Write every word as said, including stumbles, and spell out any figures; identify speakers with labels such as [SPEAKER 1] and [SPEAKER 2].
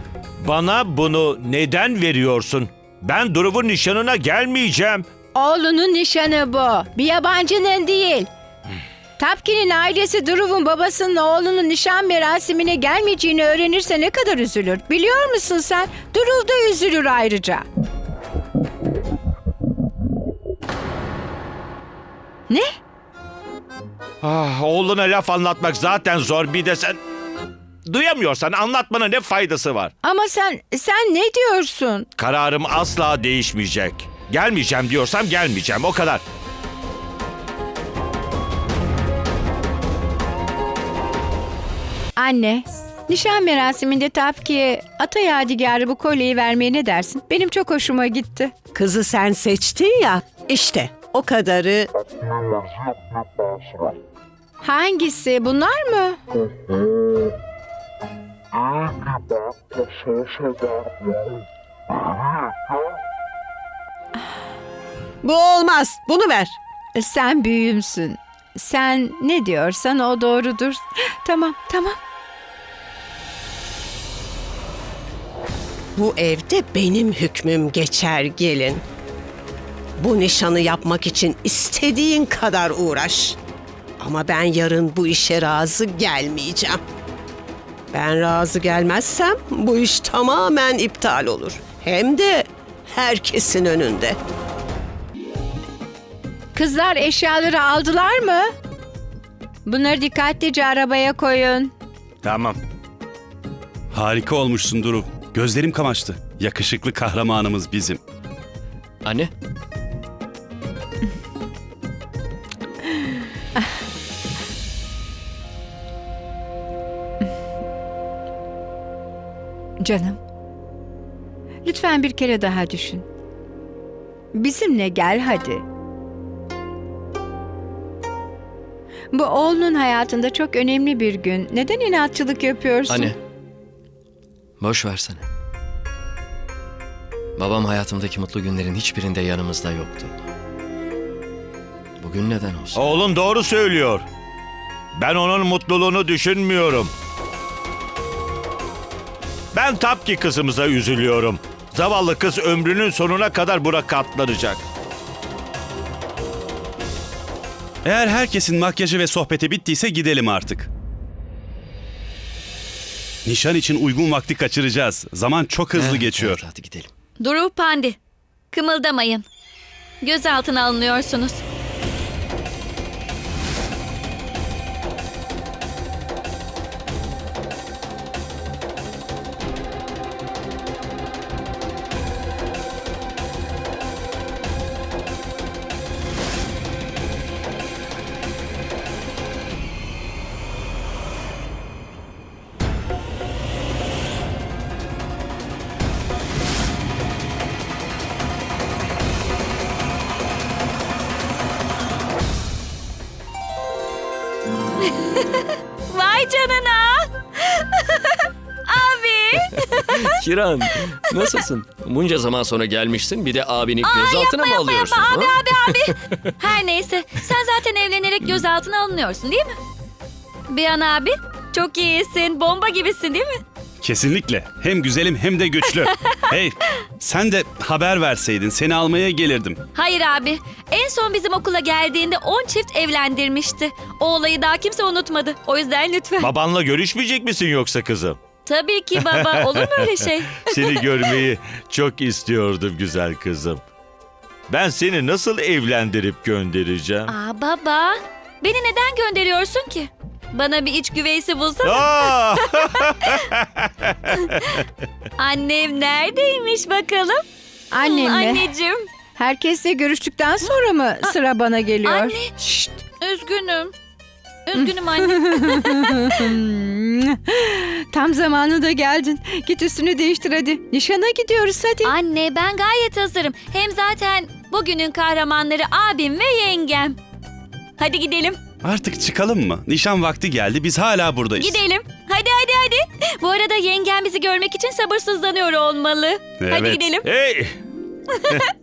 [SPEAKER 1] Bana bunu neden veriyorsun? Ben Duruv'un nişanına gelmeyeceğim.
[SPEAKER 2] Oğlunun nişanı bu. Bir yabancının değil. Tapki'nin ailesi Duruv'un babasının oğlunun nişan merasimine gelmeyeceğini öğrenirse ne kadar üzülür. Biliyor musun sen? Duruv da üzülür ayrıca. Ne?
[SPEAKER 1] Ah, oğluna laf anlatmak zaten zor, bir de sen... Duyamıyorsan anlatmana ne faydası var?
[SPEAKER 2] Ama sen, sen ne diyorsun?
[SPEAKER 1] Kararım asla değişmeyecek. Gelmeyeceğim diyorsam gelmeyeceğim, o kadar.
[SPEAKER 2] Anne, nişan merasiminde Tapki'ye ata yadigarı bu kolyeyi vermeye ne dersin? Benim çok hoşuma gitti.
[SPEAKER 3] Kızı sen seçtin ya, işte o kadarı.
[SPEAKER 2] Hangisi? Bunlar mı?
[SPEAKER 3] Bu olmaz, bunu ver.
[SPEAKER 2] Sen büyüğümsün. Sen ne diyorsan o doğrudur. Tamam, tamam.
[SPEAKER 3] Bu evde benim hükmüm geçer gelin. Bu nişanı yapmak için istediğin kadar uğraş. Ama ben yarın bu işe razı gelmeyeceğim. Ben razı gelmezsem bu iş tamamen iptal olur. Hem de herkesin önünde.
[SPEAKER 2] Kızlar eşyaları aldılar mı? Bunları dikkatlice arabaya koyun.
[SPEAKER 1] Tamam.
[SPEAKER 4] Harika olmuşsun Duru. Gözlerim kamaştı. Yakışıklı kahramanımız bizim.
[SPEAKER 5] Anne.
[SPEAKER 2] Canım. Lütfen bir kere daha düşün. Bizimle gel hadi. Bu oğlunun hayatında çok önemli bir gün. Neden inatçılık yapıyorsun?
[SPEAKER 5] Anne. Boş versene. Babam hayatımdaki mutlu günlerin hiçbirinde yanımızda yoktu. Bugün neden olsun?
[SPEAKER 1] Oğlun doğru söylüyor. Ben onun mutluluğunu düşünmüyorum. Ben Tapki kızımıza üzülüyorum. Zavallı kız ömrünün sonuna kadar buna katlanacak.
[SPEAKER 4] Eğer herkesin makyajı ve sohbeti bittiyse gidelim artık. Nişan için uygun vakti kaçıracağız. Zaman çok hızlı
[SPEAKER 5] Evet,
[SPEAKER 4] geçiyor.
[SPEAKER 5] evet, hadi gidelim.
[SPEAKER 6] Duru Pandi, kımıldamayın. Gözaltına alınıyorsunuz. Vay canına. Abi.
[SPEAKER 5] Kiran, nasılsın? Bunca zaman sonra gelmişsin, bir de abini gözaltına mı alıyorsun?
[SPEAKER 6] Abi
[SPEAKER 5] ha?
[SPEAKER 6] abi abi. Her neyse, sen zaten evlenerek gözaltına alınıyorsun değil mi? Bihan abi, çok iyisin, bomba gibisin değil mi?
[SPEAKER 4] Kesinlikle. Hem güzelim hem de güçlü. Hey, sen de haber verseydin seni almaya gelirdim.
[SPEAKER 6] Hayır abi, en son bizim okula geldiğinde on çift evlendirmişti. O olayı daha kimse unutmadı. O yüzden lütfen.
[SPEAKER 1] Babanla görüşmeyecek misin yoksa kızım?
[SPEAKER 6] Tabii ki baba, olur mu öyle şey?
[SPEAKER 1] Seni görmeyi çok istiyordum güzel kızım. Ben seni nasıl evlendirip göndereceğim?
[SPEAKER 6] Aa baba, beni neden gönderiyorsun ki? Bana bir iç güveysi bulsana.
[SPEAKER 1] Aa!
[SPEAKER 6] Annem neredeymiş bakalım?
[SPEAKER 2] Annem
[SPEAKER 6] Hmm,
[SPEAKER 2] mi?
[SPEAKER 6] Anneciğim.
[SPEAKER 2] Herkesle görüştükten sonra mı sıra bana geliyor?
[SPEAKER 6] Anne.
[SPEAKER 2] Şşt.
[SPEAKER 6] Üzgünüm. Üzgünüm anne.
[SPEAKER 2] Tam zamanında geldin. Git üstünü değiştir hadi. Nişana gidiyoruz hadi.
[SPEAKER 6] Anne ben gayet hazırım. Hem zaten bugünün kahramanları abim ve yengem. Hadi gidelim.
[SPEAKER 4] Artık çıkalım mı? Nişan vakti geldi, biz hala buradayız.
[SPEAKER 6] Gidelim. Hadi hadi hadi. Bu arada yengem bizi görmek için sabırsızlanıyor olmalı. Hadi
[SPEAKER 4] Evet.
[SPEAKER 6] gidelim.
[SPEAKER 1] Hey!